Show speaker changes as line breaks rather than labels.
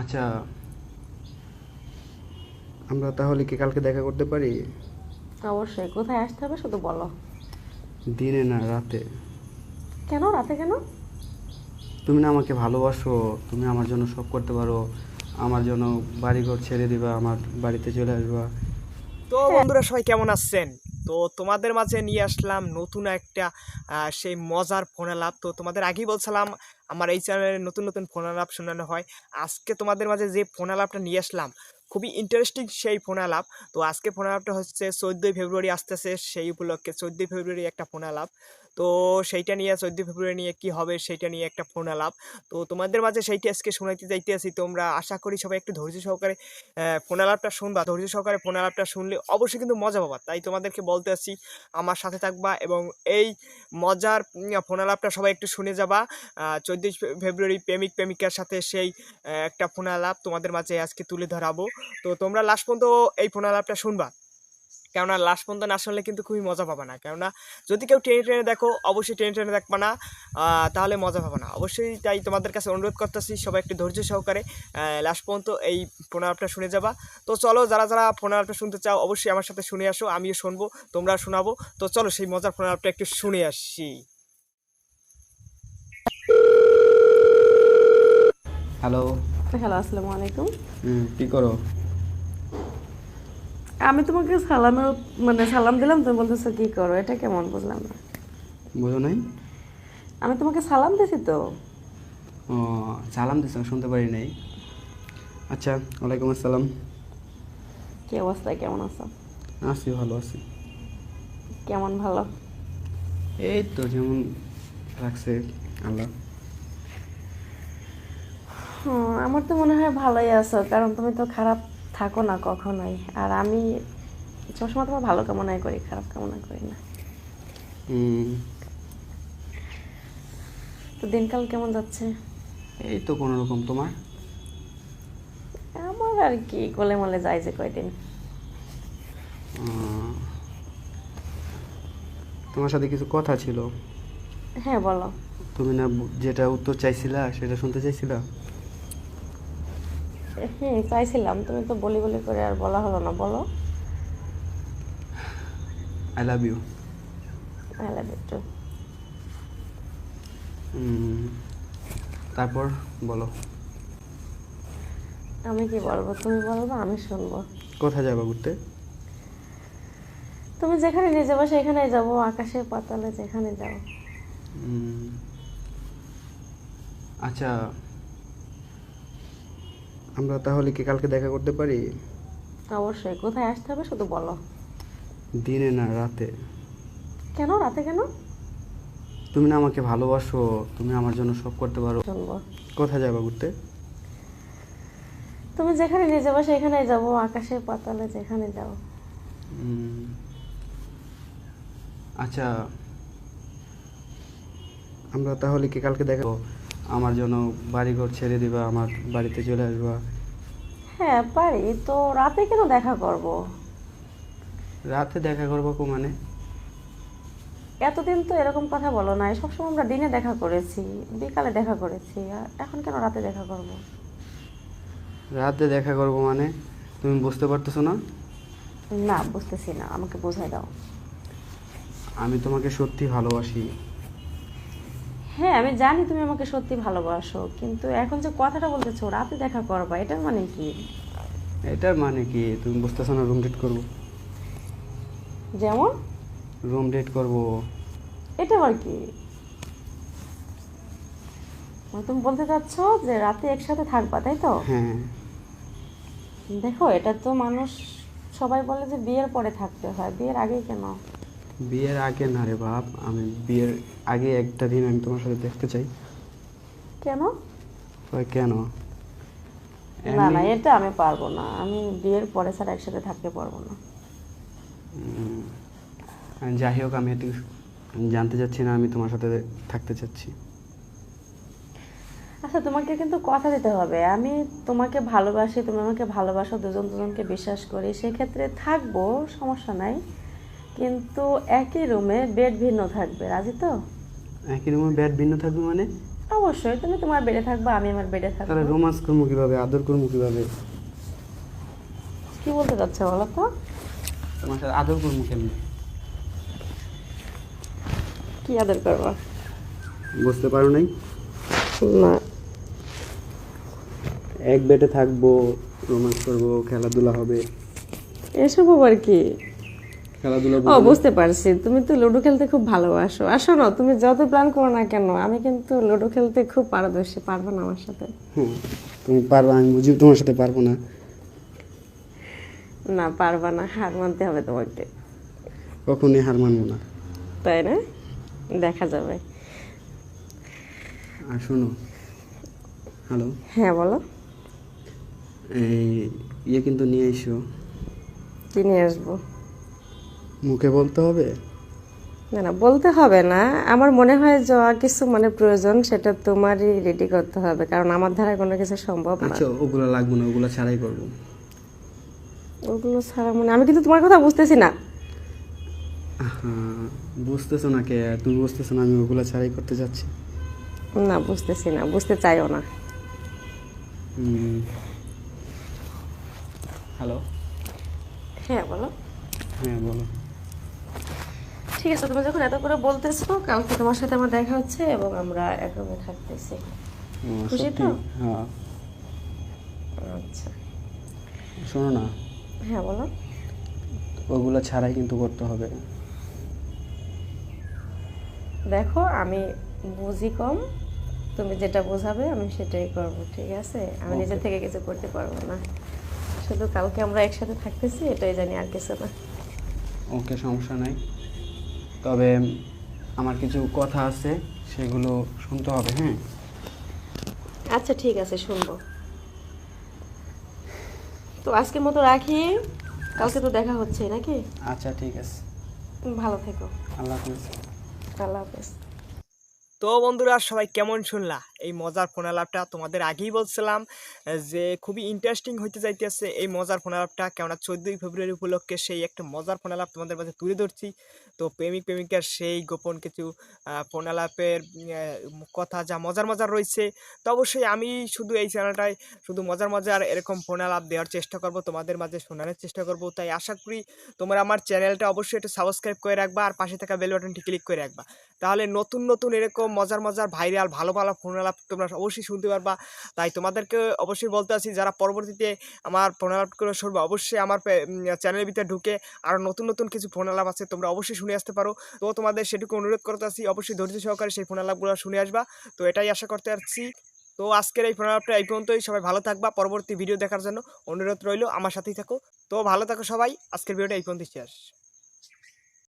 আচ্ছা, আমরা তাহলে কি কালকে দেখা করতে পারি?
অবশ্যই। কোথায় আসতে হবে শুধু বলো।
দিনে না, রাতে।
কেন রাতে কেন?
তুমি না আমাকে ভালোবাসো, তুমি আমার জন্য সব করতে পারো, আমার জন্য বাড়িঘর ছেড়ে দিবা, আমার বাড়িতে চলে আসবা।
তো
হ্যাঁ।
বন্ধুরা সবাই কেমন আছেন? তো তোমাদের মাঝে নিয়ে আসলাম নতুন একটা সেই মজার ফোন আলাপ। তো তোমাদের আগেই বলছিলাম আমার এই চ্যানেলে নতুন নতুন ফোন আলাপ শোনানো হয়। আজকে তোমাদের মাঝে যে ফোন আলাপটা নিয়ে আসলাম খুবই ইন্টারেস্টিং সেই ফোন আলাপ। তো আজকে ফোন আলাপটা হচ্ছে 14ই ফেব্রুয়ারি আসতেছে, সেই উপলক্ষে 14ই ফেব্রুয়ারি একটা ফোন আলাপ। তো সেইটা নিয়ে 14ই ফেব্রুয়ারি নিয়ে কি হবে সেইটা নিয়ে একটা ফোন আলাপ। তো তোমাদের মাঝে সেইটা আজকে শোনাইতে যাইতে আছি। তোমরা আশা করি সবাই একটু ধৈর্য সহকারে ফোন আলাপটা শুনবা। ধৈর্য সহকারে ফোন আলাপটা শুনলে অবশ্যই কিন্তু মজা পাবা। তাই তোমাদেরকে বলতে আসছি আমার সাথে থাকবা এবং এই মজার ফোন আলাপটা সবাই একটু শুনে যাবা। 14ই ফেব্রুয়ারি প্রেমিক প্রেমিকার সাথে সেই একটা ফোন আলাপ তোমাদের মাঝে আজকে তুলে ধরাবো। তো তোমরা লাস্ট পর্যন্ত এই ফোন আলাপটা শুনবা, কেননা লাস্ট পর্যন্ত না শুনলে কিন্তু খুবই মজা পাবা না। কেননা যদি কেউ টেনে টেনে দেখো অবশ্যই টেনে টেনে দেখবা না, তাহলে মজা পাবা না অবশ্যই। তাই তোমাদের কাছে অনুরোধ করতেছি সবাই একটু ধৈর্য সহকারে লাস্ট পর্যন্ত এই ফোন আলাপটা শুনে যাবা। তো চলো, যারা যারা ফোন আলাপটা শুনতে চাও অবশ্যই আমার সাথে শুনে আসো, আমিও শুনবো, তোমরা শোনাবো। তো চলো সেই মজার ফোন আলাপটা একটু শুনে আসি।
হ্যালো।
হ্যালো, আসসালামু আলাইকুম।
কি করো?
আমি তোমাকে সালাম দিলাম, তুমি বলতেছো কি করো? এটা কেমন? বুঝলাম না।
বুঝো নাই?
আমি তোমাকে সালাম দিছি তো।
ও, সালাম দিস, শুনতে পারি নাই। আচ্ছা, ওয়ালাইকুম আসসালাম।
কি অবস্থা? কেমন আছো?
আছি, ভালো আছি।
কেমন ভালো?
এই তো যেমন রাখছে আল্লাহ।
আমার তো মনে হয় ভালোই আছো, কারণ তুমি তো খারাপ থাকো না কখনোই। আর আমি সবসময় তোমার ভালো কামনাই করি, খারাপ কামনা করি না।
হুম,
তো দিনকাল কেমন যাচ্ছে?
এই তো কোনো রকম। তোমার?
আমার আর কি, গোলে মলে যায় যে কয়দিন।
আহ, তোমার সাথে কিছু কথা ছিল।
হ্যাঁ, বলো।
তুমি না যেটা উত্তর চাইছিলা সেটা শুনতে চাইছিলা?
চাইছিলাম, তুমি তো বলি বলি করে আর বলা হলো না, বলো।
I love you.
I love you too.
তারপর বলো।
আমি কি বলবো? তুমি বলবো, আমি শুনবো।
কোথায় যাবা ঘুরতে?
তুমি যেখানে নিয়ে যাবো সেখানেই যাবো, আকাশে পাতালে যেখানে যাও।
উম, আচ্ছা, আমরা তাহলে কি কালকে দেখা করতে পারি?
অবশ্যই। কোথায় আসতে হবে শুধু বলো।
দিনে না, রাতে।
কেন রাতে কেন?
তুমি না আমাকে ভালোবাসো, তুমি আমার জন্য সব করতে পারো।
শুনবো।
কোথায় যাবা ঘুরতে?
তুমি যেখানে নিয়ে যাবো সেখানেই যাবো, আকাশে পাতালে যেখানে যাও।
উম, আচ্ছা, আমরা তাহলে কি কালকে দেখা, আমার জন্য বাড়িঘর ছেড়ে দিবা, আমার বাড়িতে চলে আসবা।
হ্যাঁ পারি তো। রাতে কেন দেখা করব?
রাতে দেখা করবো মানে?
এতদিন তো এরকম কথা বলো না। সবসময় আমরা দিনে দেখা করেছি, বিকালে দেখা করেছি, আর এখন কেন রাতে দেখা করব?
রাতে দেখা করবো মানে তুমি বুঝতে পারতেছো না?
না, বুঝতেছি না, আমাকে বোঝাই দাও।
আমি তোমাকে সত্যি ভালোবাসি।
হ্যাঁ আমি জানি তুমি আমাকে সত্যি ভালোবাসো, কিন্তু এখন যে কথাটা বলতেছো রাতে দেখা করবা, এটার মানে কি?
এটার মানে কি তুমি বুঝতেছো না? রুম ডেট করবো।
যেমন?
রুম ডেট করবো।
এটা আবার কি? মানে তুমি বলতে চাচ্ছ যে রাতে একসাথে থাকবা, তাই তো?
হ্যাঁ।
দেখো, এটা তো মানুষ সবাই বলে যে বিয়ের পরে থাকতে হয়, বিয়ের আগেই কেন?
বিয়ের আগে না রে বাপ, আমি বিয়ের আগে একটা দিন আমি তোমার সাথে দেখতে চাই।
কেন?
কই কেন?
না না,
এমনি।
এটা আমি পারবো না। আমি বিয়ের পরে ছাড়া একসাথে থাকতে পারবো না।
যাই হোক, আমি একটু জানতে চাচ্ছি না, আমি তোমার সাথে থাকতে চাচ্ছি।
আচ্ছা, তোমাকে কিন্তু কথা দিতে হবে। আমি তোমাকে ভালোবাসি, তুমি আমাকে ভালোবাসো, দুজন দুজনকে বিশ্বাস করি, সেক্ষেত্রে থাকবো, সমস্যা নাই। কিন্তু একই রুমে বেড ভিন্ন থাকবে, রাজি তো?
একই রুমে বেড ভিন্ন থাকবে মানে?
অবশ্যই, তুমি তোমার বেডে থাকবা, আমি আমার বেডে থাকবো।
তাহলে রোমান্স করবো কিভাবে, আদর করবো কিভাবে?
কি বলতে চাচ্ছে বলো তো?
তোমার সাথে আদর করবো কেমনি?
কি আদর করবা?
বুঝতে পারো নাই?
না।
এক বেডে থাকবো, রোমান্স করবো, খেলাধুলা হবে।
এসব আবার কি?
খেলাধুলা
ও বুঝতে পারছি, তুমি তো লুডো খেলতে খুব ভালোবাসো। আসো না, তুমি যত প্ল্যান করো না কেন, আমি কিন্তু লুডো খেলতে খুব পারদর্শী। পারবে না আমার সাথে?
হ্যাঁ, তুমি পারবা, আমি বুঝি তোমার সাথে পারবো না।
না, পারবা না, হার মানতে হবে তোমাকে।
কখনই হার মানবো না।
তাই না? দেখা যাবে।
আর শোনো, হ্যালো,
হ্যাঁ বলো।
এই কিন্তু নিয়ে এসো।
কি নিয়ে আসবো?
মুখে বলতে হবে?
না না, বলতে হবে না। আমার মনে হয় যা কিছু মানে প্রয়োজন সেটা তোমারই রেডি করতে হবে, কারণ আমার দ্বারা কোনো কিছু সম্ভব না।
আচ্ছা, ওগুলো লাগবে না, ওগুলো ছাড়াই করবো।
ওগুলো ছাড়া মানে আমি কিন্তু তোমার কথা বুঝতেছি না।
হ্যাঁ, বুঝতেছো না কে? তুমি বুঝতেছো না আমি ওগুলো ছাড়াই করতে যাচ্ছি?
না, বুঝতেছি না, বুঝতে চাইও না।
হ্যালো,
হ্যাঁ বলো।
হ্যাঁ বলো।
ঠিক আছে, তুমি যখন এত করে বলতেছো, কালকে তোমার সাথে আমার দেখা হচ্ছে এবং আমরা এক রুমে থাকতেছি।
ও,
খুশি
সত্যি?
তো?
হ্যাঁ।
আচ্ছা।
শোনো না,
হ্যাঁ বলো।
ওগুলো ছাড়াই কিন্তু করতে হবে।
দেখো, আমি বুঝি কম, তুমি যেটা বোঝাবে আমি সেটাই করব, ঠিক আছে? আমি নিজে থেকে কিছু করতে পারবো না। শুধু কালকে আমরা একসাথে থাকতেছি এটাই জানি, আর কিছু না।
ওকে, সমস্যা নাই। তবে আমার কিছু কথা আছে, সেগুলো শুনতে হবে। হ্যাঁ,
আচ্ছা ঠিক আছে, শুনবো। তো আজকের মতো রাখি, কালকে তো দেখা হচ্ছে নাকি?
আচ্ছা ঠিক আছে।
ভালো থেকো।
আল্লাহ হাফিজ।
আল্লাহ হাফেজ।
তো বন্ধুরা, সবাই কেমন শুনলা এই মজার ফোন আলাপটা? তোমাদের আগেই বলছিলাম যে খুবই ইন্টারেস্টিং হইতে যাইতেছে এই মজার ফোন আলাপটা, কেননা 14ই ফেব্রুয়ারি উপলক্ষে সেই একটা মজার ফোন আলাপ তোমাদের মাঝে তুলে ধরছি। তো প্রেমিক প্রেমিকার সেই গোপন কিছু ফোন আলাপের কথা যা মজার মজার রয়েছে। তো অবশ্যই আমি শুধু এই চ্যানেলটায় শুধু মজার মজার এরকম ফোন আলাপ দেওয়ার চেষ্টা করব, তোমাদের মাঝে শোনানোর চেষ্টা করব। তাই আশা করি তোমরা আমার চ্যানেলটা অবশ্যই একটু সাবস্ক্রাইব করে রাখবা আর পাশে থাকা বেল বাটনটি ক্লিক করে রাখবা। তাহলে নতুন নতুন এরকম মজার মজার ভাইরাল ভালো ভালো ফোন আলাপ তোমরা অবশ্যই শুনতে পারবা। তাই তোমাদেরকে অবশ্যই বলতে আছি, যারা পরবর্তীতে আমার ফোন আলাপগুলো শুনবে অবশ্যই আমার চ্যানেলের ভিতরে ঢুকে আরও নতুন নতুন কিছু ফোন আলাপ আছে তোমরা অবশ্যই শুনে আসতে পারো। তো তোমাদের সেটুকু অনুরোধ করতে আছি, অবশ্যই ধৈর্য সহকারে সেই ফোন আলাপগুলো শুনে আসবা। তো এটাই আশা করতে পারছি। তো আজকের এই ফোন আলাপটা এই পর্যন্তই। সবাই ভালো থাকবা, পরবর্তী ভিডিও দেখার জন্য অনুরোধ রইল, আমার সাথেই থাকো। তো ভালো থাকো সবাই, আজকের ভিডিওটা এই পর্যন্তই শেষ।